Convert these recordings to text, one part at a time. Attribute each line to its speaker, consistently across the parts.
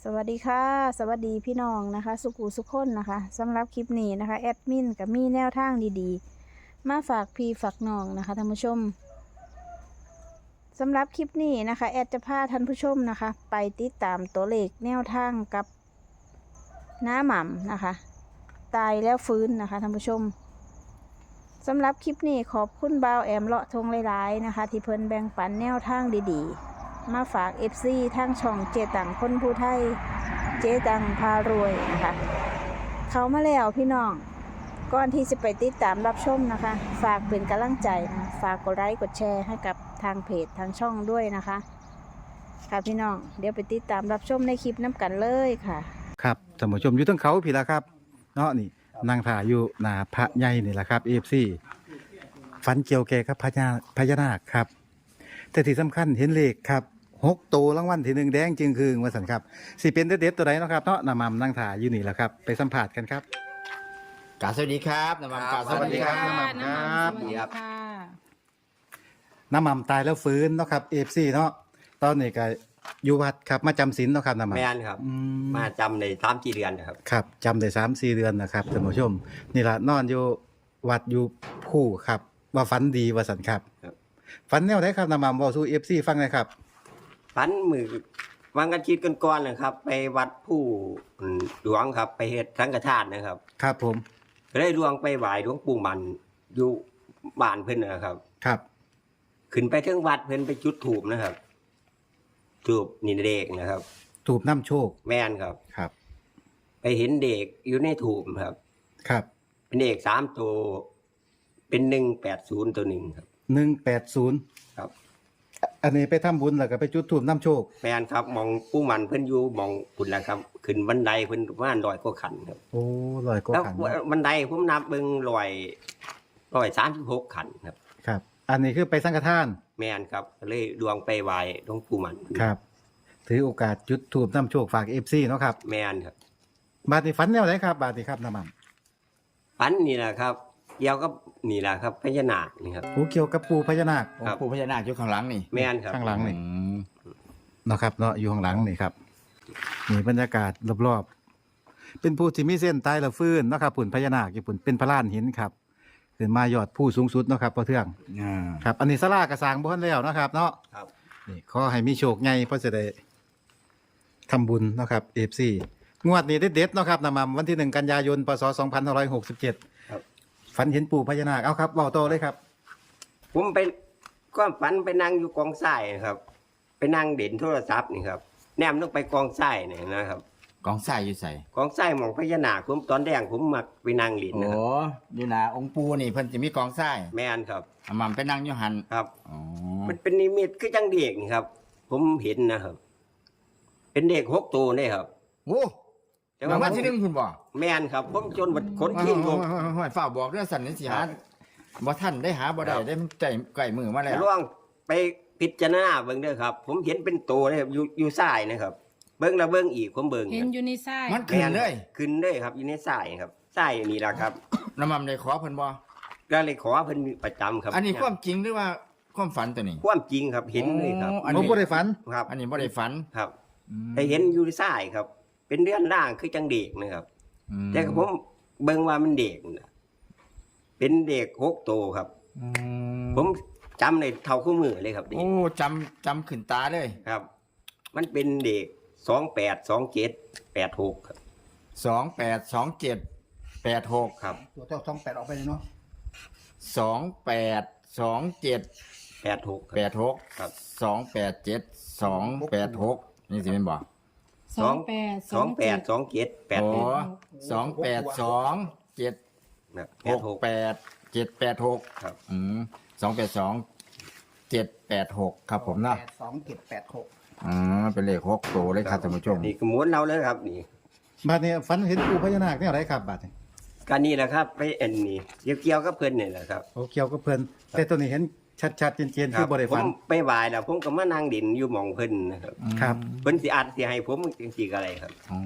Speaker 1: สวัสดีค่ะสวัสดีพี่น้องนะคะสุขุสุขคนนะคะสำหรับคลิปนี้นะคะแอดมินกับมีแนวทางดีๆมาฝากพี่ฝากน้องนะคะท่านผู้ชมสำหรับคลิปนี้นะคะแอดจะพาท่านผู้ชมนะคะไปติดตามตัวเลขแนวทางกับน้าหม่ำนะคะตายแล้วฟื้นนะคะท่านผู้ชมสำหรับคลิปนี้ขอบคุณบ่าวแอมเลาะทงหลายๆนะคะที่เพิ่นแบ่งปันแนวทางดีๆมาฝาก FC ทางช่องเจตังคนผู้ไทยเจตังพารวยนะคะเขามาแล้วพี่น้องก่อนที่จะไปติดตามรับชมนะคะฝากเป็นกำลังใจนะฝากกดไลค์กดแชร์ให้กับทางเพจทางช่องด้วยนะคะค่ะพี่น้องเดี๋ยวไปติดตามรับชมในคลิปน้ำกันเลยค่ะ
Speaker 2: ครับท่านผู้ชมอยู่ตั้งเขาพี่ละครับเนาะนี่นางถ่ายอยู่หน้าพระใหญ่นี่แหละครับ AFC ฝันเกี่ยวแก่กับพญานาคครับแต่ที่สำคัญเห็นเลขครับ6 ตัวรางวัลที่ 1แดงจึงคืงว่าสันครับสิเป็นเด็ดๆตัวไหนเนาะครับเนาะนำมานางถ่ายอยู่นี่แหละครับไปสัมผัสกันครับ
Speaker 3: กาสวัสดีครับน้ำมันกาสวัสดีครับ
Speaker 2: น้ำมันครับ
Speaker 1: สวัสดีค่ะ
Speaker 2: น้ำมันตายแล้วฟื้นเนาะครับ AFC เนาะตอนนี้ก็อยู่วัดครับมาจำศีลเนาะครับน้ำมัน
Speaker 3: แม่นครับ มาจำใน3-4 เดือนนะครับ
Speaker 2: ครับจำได้3-4 เดือนนะครับท่านผู้ชมนี่ล่ะนอนอยู่วัดอยู่ผู้ครับว่าฝันดีว่าสันครับ
Speaker 3: ครับ
Speaker 2: ฝันแนวไหนครับน้ำมันบอกสู่ FC ฟังหน่อยครับ
Speaker 3: พันมือวางกันชีดกันก่อนนะครับ ไปวัดผู้หลวงครับ ไปเฮ็ดสังฆทานนะครับ
Speaker 2: ครับผม
Speaker 3: ก็ได้ดวงไปไหว้หลวงปู่มันอยู่บ้านเพิ่นนะครับ
Speaker 2: ครับ
Speaker 3: ขึ้นไปถึงวัดเพิ่นไปจุดธูปนะครับธูปนี่เด็กนะครับ
Speaker 2: ถูกน้ำโชค
Speaker 3: แม่นครับ
Speaker 2: ครับ
Speaker 3: ไปเห็นเด็กอยู่ในธูปครับ
Speaker 2: ครับ
Speaker 3: เป็นเด็ก3 ตัวเป็น180ตัวหนึ่งครับ
Speaker 2: 180
Speaker 3: ครับ
Speaker 2: อันนี้ไปทำบุญแล้วก็ไปจุดถูกน้ำโชค
Speaker 3: แม่นครับมองปู่มันเพิ่นอยู่มองคุณนะครับ ขึ้นบันไดเพิ่นประมาณ100 กว่าขั้นครับ
Speaker 2: โอ้ลอยก็
Speaker 3: แล้ว
Speaker 2: ขัน
Speaker 3: บันไดผมนับเบิ่ง136 ขั้นครับ
Speaker 2: ครับ อันนี้คือไปสังฆทาน
Speaker 3: แม่นครับเลยดวงไปไหว้หลวงปู่มัน
Speaker 2: ครับ ถือโอกาสจุดถูกน้ำโชคฝาก FC เนาะครับ
Speaker 3: แม่นครับ
Speaker 2: บาดนี้ฝันแนวไหนครับบาดนี้ครับน้ำมัน
Speaker 3: ปันนี่แหละครับเกี่ยวกับนี่แหละครับพญานาคนี่ครับ
Speaker 2: โอ้เกี่ยวกับปู่พญานาค
Speaker 3: ครับ
Speaker 4: ปู่พญานาคอยู่ข้างหลังนี่
Speaker 3: แม่นครับ
Speaker 2: ข้างหลังนี่
Speaker 4: อืม
Speaker 2: เนาะครับเนาะอยู่ข้างหลังนี่ครับนี่บรรยากาศรอบๆเป็นผู้ที่มีเส้นตายแล้วฟื้นเนาะครับปุ่นพญานาคญี่ปุ่นเป็นพระลานหินครับขึ้นมายอดผู้สูงสุดเนาะครับพ่อเทือง
Speaker 4: อ่า
Speaker 2: ครับอันนี้ศาลากระสร้างบ่ทันแล้วเนาะครับเนาะ
Speaker 3: ครับ
Speaker 2: นี่ขอให้มีโชคใหญ่เพราะจะได้ทำบุญเนาะครับ FC งวดนี้เด็ดๆเนาะครับนำมาวันที่1 กันยายนพศ2567
Speaker 3: ครับ
Speaker 2: ฝันเห็นปู่พญานาคเอาครับเว้าต่อเลยครับ
Speaker 3: ผมไปก็ฝันไปนั่งอยู่กองทรายนะครับ ไปนั่งเด่นโทรศัพท์นี่ครับแนมต้องไปกองทรายนี่นะครับ
Speaker 4: กองทรายอยู่ใส่
Speaker 3: กองทรายหมองพญานาคผมตอนแรกผมมักไปนั่งเล่น
Speaker 4: โอ้
Speaker 3: นะครับ
Speaker 4: อยู่นะองค์ปู่นี่เพิ่นจะมีกองทราย
Speaker 3: แม่นครับ
Speaker 4: อามัมไปนั่งอยู่หัน
Speaker 3: ครับ
Speaker 4: อ๋อ
Speaker 3: มันเป็นนิมิตคือจังเด็กนี่ครับ ผมเห็นนะครับ เป็นเด็ก6 ตัวนี่ครับ
Speaker 4: โอ้
Speaker 3: แต่
Speaker 4: รางวัล
Speaker 3: ผม
Speaker 4: ที่หนึ่งคุณบอก
Speaker 3: แม่นครับ ผมจนบัดคนขี้งก
Speaker 4: ห้อยฝ้าบอกเรื่องสันนิษฐานบ่ท่านได้หาบ่ได้
Speaker 3: ครับ
Speaker 4: ได้ใจไก่มือมาแล้ว
Speaker 3: ล่วงไปพิจารณาเบิ่งเด้อครับ ผมเห็นเป็นตัวเลยครับอยู่ซ้ายนะครับ เบิ่งแล้วเบิ่งอีกผมเบิ่ง
Speaker 1: เห็นอยู่ในไส้
Speaker 4: มันขึ้นเลย
Speaker 3: ขึ้นเลยครับ อยู่ในซ้ายครับซ้ายนี่ล่ะครับ
Speaker 4: น้ำมันได้ขอเพิ่นบ่
Speaker 3: ก็เลยขอเพิ่นประจำครับ
Speaker 4: อันนี้ความจริงหรือว่าความฝันตัวนี้
Speaker 3: ความจริงครับ เห็นเลยครับ
Speaker 4: อัน
Speaker 2: ผม
Speaker 4: นี้
Speaker 2: บ่ได้ฝัน
Speaker 3: ครับ
Speaker 4: อันนี้บ่ได้ฝัน
Speaker 3: ครับ
Speaker 4: อืม
Speaker 3: แต่เห็นอยู่ซ้ายครับ เป็นเดือนร่างคือจังเด็กนะครับ
Speaker 4: อืม
Speaker 3: แต่ก็ผมเบิ่งว่ามันเด็กนะเป็นเด็ก6 ตัวครับ
Speaker 4: อืม
Speaker 3: ผมจำในเท่าคู่มือเลยครับเด็ก
Speaker 4: โอ้จำขึ้นตาเลย
Speaker 3: ครับ มันเป็นเด็ก282786ครับ
Speaker 4: 282786
Speaker 3: ครับ
Speaker 5: ตัวเจ้า28ออกไปเลยเนาะ
Speaker 4: 2827
Speaker 3: 86
Speaker 4: 86
Speaker 3: ครับ
Speaker 4: 287 286นี่สิเป็นบ่
Speaker 3: 282786
Speaker 4: โอ้282
Speaker 3: ครับ
Speaker 4: 7 786
Speaker 3: ครับ
Speaker 4: 282 786ครับผมนะ
Speaker 5: 82
Speaker 4: เป็นเลข6ตัวเลยครับท่านผู้ชม
Speaker 3: นี่ก็หมุนเราเลยครับนี่
Speaker 2: บาดนี้ฝันเห็นปู่พญานาคแนวไหนครับบาดนี้
Speaker 3: การนี้แหละครับไปอันนี้เกี่ยวกับเพิ่นนี่แหละครับ
Speaker 2: โอ้เกี่ยวกับเพิ่นแต่ตัวนี้เห็นชัดๆเจนๆคือบ่ได้
Speaker 3: ผ
Speaker 2: ฝัน
Speaker 3: มไปไหว้แล้วผมก็มานั่งดินอยู่หม่องเพิ่นนะครับ
Speaker 2: ครับ
Speaker 3: เพิ่นสิอาจสิให้ผมจังซี่ก็อะไรครับ
Speaker 4: อ๋อ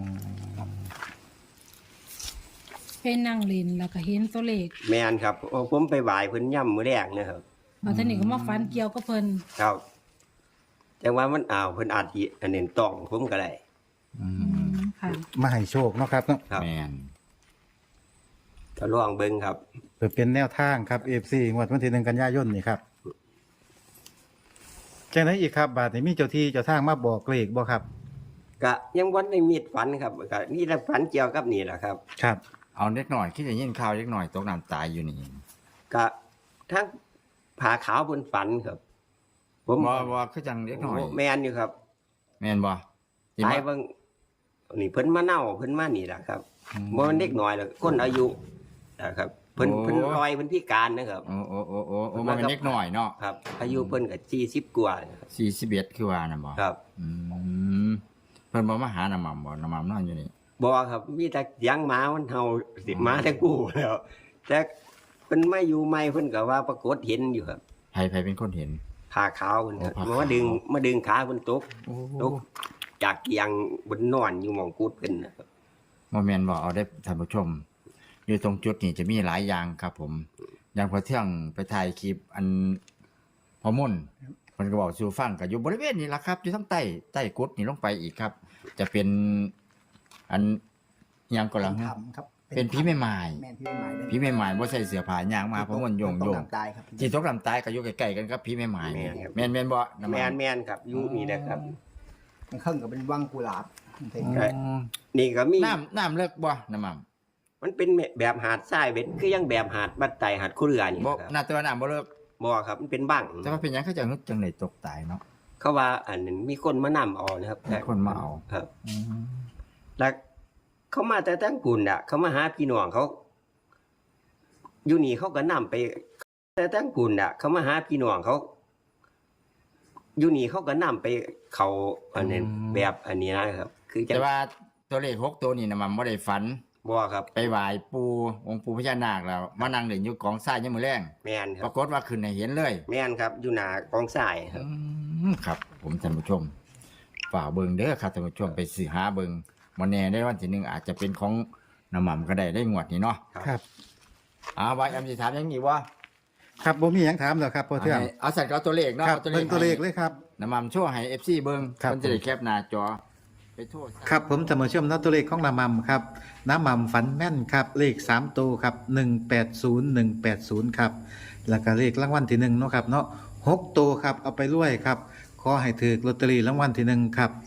Speaker 6: เป็นนางลินแล้วก็เห็นตัวเลข
Speaker 3: แม่นครับผมไปไหว้เพิ่นย่ำมื้อแรกนะครับ
Speaker 6: เอาท่านนี่ก็มาฟันเกี่ยวกับเพิ่น
Speaker 3: ครับแต่ว่ามันเพิ่นอาจสิอันนี้ต้องผมก็ได้
Speaker 4: อืม
Speaker 2: มาให้โชคเนาะครับเนาะ
Speaker 3: ครับ
Speaker 4: แม่น
Speaker 3: ก็ลองเบิ่งครับ
Speaker 2: เพื่อเป็นแนวทางครับ FC งวดวันที่1กันยายนนี่ครับจังได๋อีกครับบาดนี้มีเจ้าที่เจ้าทางมาบอกเลขบ่ครับ
Speaker 3: ก็ยังวันได้มีดฝันครับก็นี่แหละฝันเกี่ยวกับนี่แหละครับ
Speaker 2: ครับ
Speaker 4: เอาเล็กหน่อยคิดจะยินข่าวเล็กหน่อยตกน้ำตายอยู่นี่
Speaker 3: ก็ทั้งผ่าขาวบนฝันครับ ผม
Speaker 4: บ่คือจังเล็กหน่อย
Speaker 3: แมนอยู่ครับ
Speaker 4: แม่นบ่ที่
Speaker 3: ตาย
Speaker 4: มา
Speaker 3: เบิ่งนี่เพิ่นมาเน่าเพิ่นมานี่แหละครับ
Speaker 4: อืม
Speaker 3: บ่มันเด็กน้อยหรอกคนอายุนะครับเพิ่น
Speaker 4: โอ้
Speaker 3: เพิ่นลอยเพิ่นพิการนะครับ
Speaker 4: โอ้โอ้โอ้โอ้โอ้บ่แม่นเล็กหน่อยเนาะ
Speaker 3: ครับ อายุเพิ่นก็40กว่านะครับ
Speaker 4: 41คือว่าน่ะบ่
Speaker 3: ครับ
Speaker 4: อืมเพิ่นบ่มาหาน้ำหม่ำบ่น้ำหม่ำนอนอยู่นี่
Speaker 3: บ่ครับมีแต่เสียงหมามันเห่าสิหมาแต่กูแล้วแต่เพิ่นมาอยู่ใหม่เพิ่นก็ว่าปรากฏเห็นอยู่ครับ
Speaker 4: ไผเป็นคนเห็น
Speaker 3: ผ่าขาวเพิ่นครับ
Speaker 4: โอ้ผ่าขาว
Speaker 3: มาดึงขาเพิ่นตก
Speaker 4: โอ้
Speaker 3: ตกจากเกียงบนนอนอยู่หม่องกุดเพิ่นนะครับ
Speaker 4: บ่แม่นบ่เอาได้ท่านผู้ชม อยู่ตรงจุดนี้จะมีหลายอย่างครับผม อย่างพอเที่ยงไปถ่ายคลิปอันพอมุ่นเพิ่นก็บอกสู่ฟังก็อยู่บริเวณนี้ล่ะครับ อยู่ทั้งใต้กุดนี่ลงไปอีกครับ จะเป็นอันหยังก็แล้ว
Speaker 5: ทำครับ
Speaker 4: เป็นผีแม่ไม้
Speaker 5: แม่นพี่แม่ไม้เลย
Speaker 4: ผีแม่ไม้บ่ใส่เสื้อผ้าหยังมาพอมุ่นโยง
Speaker 5: ต้องตายครับ
Speaker 4: จิตตกลำตายก็อยู่ใกล้ๆกันครับผีแม่ไม้แม่นบ่น้ำ
Speaker 3: แม
Speaker 4: มัน
Speaker 3: แมนครับอยู่นี่แหละครับ
Speaker 5: มันเครื่องกับเป็นวังกุหลาบมันเป็น
Speaker 3: ใช่ นี่ก็มี
Speaker 4: น้ำเลิกบ่น้ำมัน
Speaker 3: มันเป็นแบบหาดทรายเบ็ดคือยังแบบหาดบัดไตหาดคู่เรือนี่
Speaker 4: บ่
Speaker 3: ครับ
Speaker 4: น่าตัวน้ำบ่เลิก
Speaker 3: บ่ครับมันเป็นบัง
Speaker 4: แต่ว่าเป็นหยังเขาจะฮึดจังได๋ตกตายเนาะ
Speaker 3: เขาว่าอันนั้นมีคนมานำเอานะครับ
Speaker 4: มีคนมาเอา
Speaker 3: ครับ แล้วเขามาแต่ตั้งปุ่นอ่ะ เขามาหาพี่น้องเขา อยู่นี่เขาก็นำไป แต่ตั้งปุ่นอ่ะ เขามาหาพี่น้องเขา อยู่นี่เขาก็นำไปเขาอันนั้นแบบอันนี้นะครับ คือจะ
Speaker 4: แต่ว่าตัวเลข6ตัวนี่น่ะมันบ่ได้ฝัน
Speaker 3: บ่ครับ
Speaker 4: ไปไหว้ปู่องค์ปู่พญานาคแล้วมานั่งเล่นอยู่กองทรายยามมื้อแลง
Speaker 3: แม่นค
Speaker 4: ป
Speaker 3: รั
Speaker 4: รา
Speaker 3: บ
Speaker 4: กฏว่าขึ้นให้เห็นเลย
Speaker 3: แม่นครับ อยู่หน้ากองทรายครับ
Speaker 4: ครับ ผมท่านผู้ชมฝากเบิ่งเด้อครับท่านผู้ชมไปซื้อหาเบิ่งบ่แน่ได้วันที่หนึ่งอาจจะเป็นของน้ำหม่ำก็ได้งวดนี้เนาะ
Speaker 2: ครับ
Speaker 4: ว่าอำสิถามหยังอีกบ่
Speaker 2: ครับบ่มีหยังถามแล้วครับพ่อเทื่อง
Speaker 4: เอาสั่นก็เอาตัวเลขเนาะ
Speaker 2: ครับ
Speaker 4: เอา
Speaker 2: เบิ่งตัวเลขเลยครับ
Speaker 4: น้ำหม่ำโชว์ให้ FC เบิ่ง
Speaker 2: ครับ
Speaker 4: เพิ่นจะได้แคปหน้าจอไปโทษ
Speaker 2: ครับผมจะมาเชื่อมนัดตัวเลขของน้ำมันครับน้ำมันฝันแม่นครับเลข3ตัวครับ180180ครับแล้วก็เลขรางวัลที่1เนาะครับเนาะ6ตัวครับเอาไปรวยครับขอให้ถือลอตเตอรี่รางวัลที่1ครับ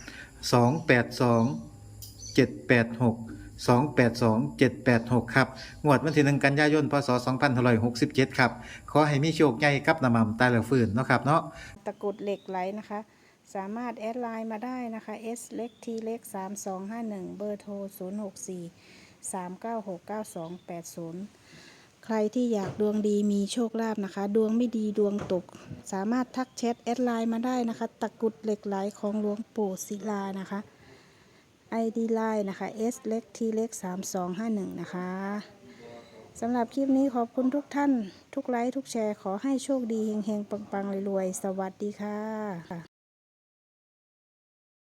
Speaker 2: 282 786 282 786ครับงวดวันที่1กันยายนพศ2567ครับขอให้มีโชคใหญ่กับน้ำมันตายแล้วฟื้นเนาะครับเนาะ
Speaker 1: ตะกรุดเหล็กไหลนะคะ สามารถแอดไลน์มาได้นะคะ S เล็ก T เล็ก3251 เบอร์โทร 064 396 9280 ใครที่อยากดวงดีมีโชคลาภนะคะ ดวงไม่ดีดวงตก สามารถทักแชทแอดไลน์มาได้นะคะ ตะกรุดเหล็กไหลของหลวงปู่ศิลานะคะ ID ไลน์นะคะ S เล็ก T เล็ก3251 นะคะสำหรับคลิปนี้ขอบคุณทุกท่าน ทุกไลค์ทุกแชร์ขอให้โชคดีเฮงๆ ปังๆรวยๆ สวัสดีค่ะ